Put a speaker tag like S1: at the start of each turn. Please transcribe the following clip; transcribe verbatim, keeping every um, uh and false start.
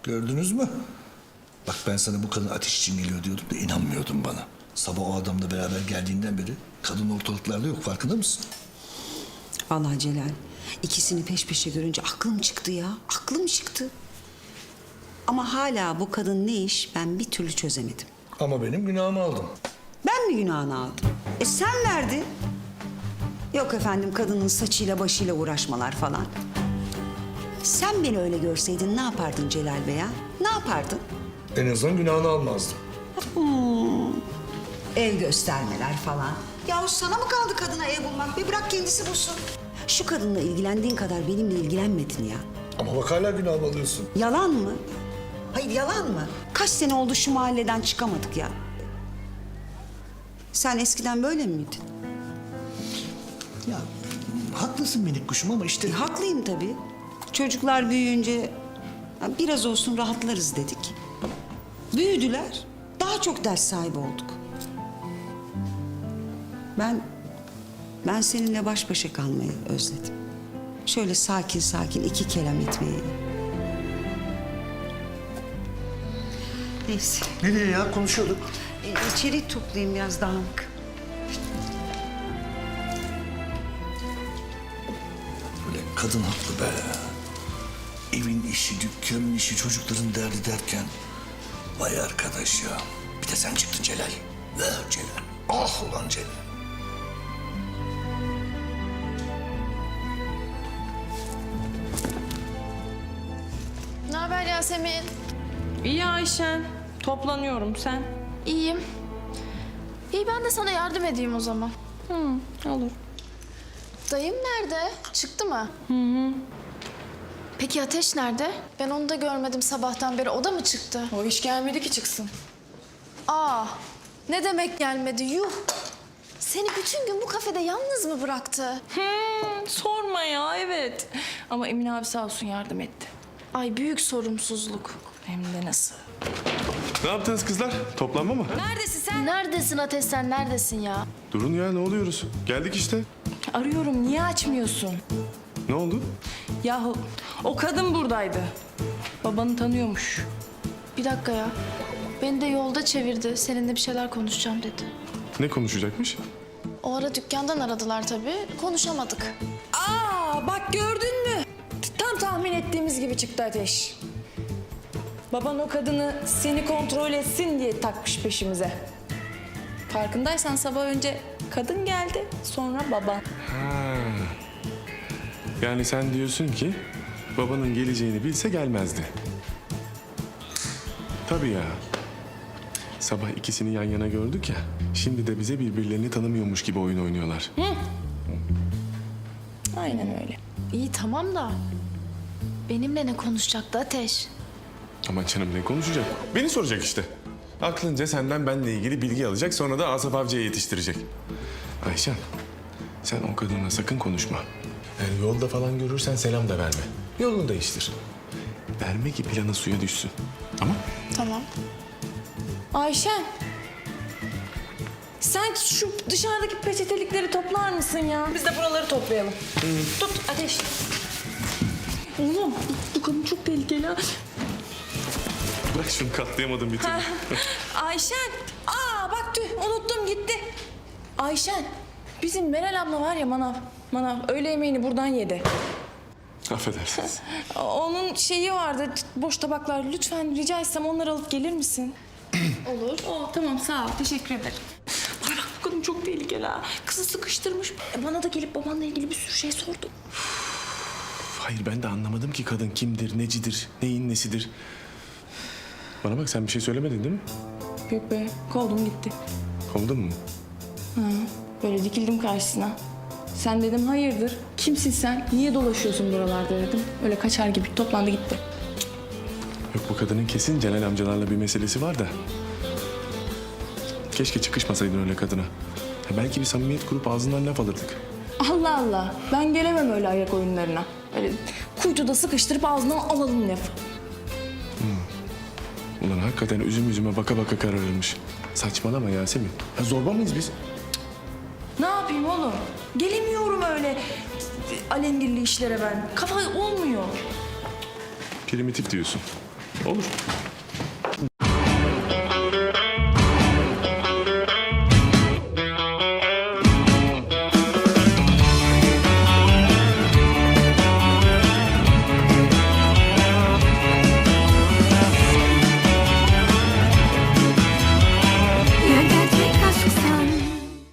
S1: Gördünüz mü? Bak ben sana bu kadın ateş için geliyor diyordum da inanmıyordun bana. Sabah o adamla beraber geldiğinden beri kadın ortalıklarda yok, farkında mısın?
S2: Vallahi Celal, ikisini peş peşe görünce aklım çıktı ya. Aklım çıktı. Ama hala bu kadın ne iş ben bir türlü çözemedim.
S1: Ama benim günahımı aldın.
S2: Ben mi günahını aldım? E sen verdin. Yok efendim kadının saçıyla başıyla uğraşmalar falan. Sen beni öyle görseydin ne yapardın Celal Bey ya? Ne yapardın?
S1: En azından günahını almazdım.
S2: Ev göstermeler falan. Yahu sana mı kaldı kadına ev bulmak? Bir bırak kendisi bulsun. Şu kadınla ilgilendiğin kadar benimle ilgilenmedin ya.
S1: Ama bak hala günahımı alıyorsun.
S2: Yalan mı? Hayır yalan mı? Kaç sene oldu şu mahalleden çıkamadık ya. Sen eskiden böyle miydin?
S1: Ya haklısın minik kuşum ama işte...
S2: E, haklıyım tabii. Çocuklar büyüyünce ya, biraz olsun rahatlarız dedik. Büyüdüler. Daha çok ders sahibi olduk. Ben ben seninle baş başa kalmayı özledim. Şöyle sakin sakin iki kelam etmeyi. Neyse.
S1: Nereye ya? Konuşuyorduk.
S2: E, içeri toplayayım biraz dağınık.
S1: Böyle kadın haklı be. Evin işi, dükkanın işi, çocukların derdi derken... Vay arkadaş ya. Bir de sen çıktın Celal. Ver Celal. Ah ulan Celal.
S3: Ne haber Yasemin?
S4: İyi Ayşen. Toplanıyorum sen.
S3: İyiyim. İyi ben de sana yardım edeyim o zaman.
S4: Hı, olur.
S3: Dayım nerede? Çıktı mı? Hı hı. Peki Ateş nerede? Ben onu da görmedim sabahtan beri. O da mı çıktı?
S4: O iş gelmedi ki çıksın.
S3: Aa, ne demek gelmedi? Yuh! Seni bütün gün bu kafede yalnız mı bıraktı?
S4: Hmm, sorma ya, evet. Ama Emin abi sağ olsun yardım etti.
S3: Ay büyük sorumsuzluk.
S4: Hem de nasıl.
S5: Ne yaptınız kızlar? Toplanma mı?
S4: Neredesin sen?
S3: Neredesin Ateş sen? Neredesin ya?
S5: Durun ya, ne oluyoruz? Geldik işte.
S4: Arıyorum, niye açmıyorsun?
S5: Ne oldu?
S4: Yahu o kadın buradaydı. Babanı tanıyormuş.
S3: Bir dakika ya. Beni de yolda çevirdi. Seninle bir şeyler konuşacağım dedi.
S5: Ne konuşacakmış?
S3: O ara dükkandan aradılar tabii. Konuşamadık.
S4: Aa bak gördün mü? Tam tahmin ettiğimiz gibi çıktı Ateş. Baban o kadını seni kontrol etsin diye takmış peşimize. Farkındaysan sabah önce kadın geldi, sonra baba.
S5: Ha. Yani sen diyorsun ki babanın geleceğini bilse gelmezdi. Tabii ya. Sabah ikisini yan yana gördük ya. Şimdi de bize birbirlerini tanımıyormuş gibi oyun oynuyorlar.
S4: Aynen öyle.
S3: İyi tamam da benimle ne konuşacaktı Ateş?
S5: Ama canım ne konuşacak? Beni soracak işte. Aklınca senden benle ilgili bilgi alacak, sonra da Asaf Avcı'ya yetiştirecek. Ayşen, sen o kadınla sakın konuşma. Yani yolda falan görürsen selam da verme. Yolunu değiştir. Verme ki planı suya düşsün. Tamam?
S3: Tamam.
S4: Ayşen. Sen şu dışarıdaki peçetelikleri toplar mısın ya? Biz de buraları toplayalım. Tut Ateş. Oğlum bu kadın çok tehlikeli ha.
S5: Bırak şunu, katlayamadım bir türlü.
S4: Ayşen. Aa bak tüh unuttum gitti. Ayşen. Bizim Meral abla var ya manav. Manav öğle yemeğini buradan yedi.
S5: Affedersiniz.
S4: Onun şeyi vardı boş tabaklar. Lütfen rica etsem onları alıp gelir misin?
S3: Olur.
S4: Oh, tamam sağ ol teşekkür ederim. Bana bak bu kadın çok tehlikeli ha. Kızı sıkıştırmış. E, bana da gelip babanla ilgili bir sürü şey sordu.
S5: Hayır, ben de anlamadım ki kadın kimdir, necidir, neyin nesidir. Bana bak, sen bir şey söylemedin değil mi?
S4: Yok be kovdum gitti.
S5: Kovdun mu?
S4: Böyle dikildim karşısına. Sen dedim hayırdır? Kimsin sen? Niye dolaşıyorsun buralarda dedim. Öyle kaçar gibi toplandı gitti.
S5: Yok, bu kadının kesin Celal amcalarla bir meselesi var da. Keşke çıkışmasaydın öyle kadına. Ya belki bir samimiyet kurup ağzından laf alırdık.
S4: Allah Allah. Ben gelemem öyle ayak oyunlarına. Öyle kuytuda sıkıştırıp ağzından alalım lafı.
S5: Ulan hakikaten üzüm üzüme baka baka kararılmış. Saçmalama Yasemin. Ya zorba mıyız biz?
S4: Ne yapayım oğlum? Gelemiyorum öyle alengirli işlere ben. Kafa olmuyor.
S5: Primitif diyorsun. Olur.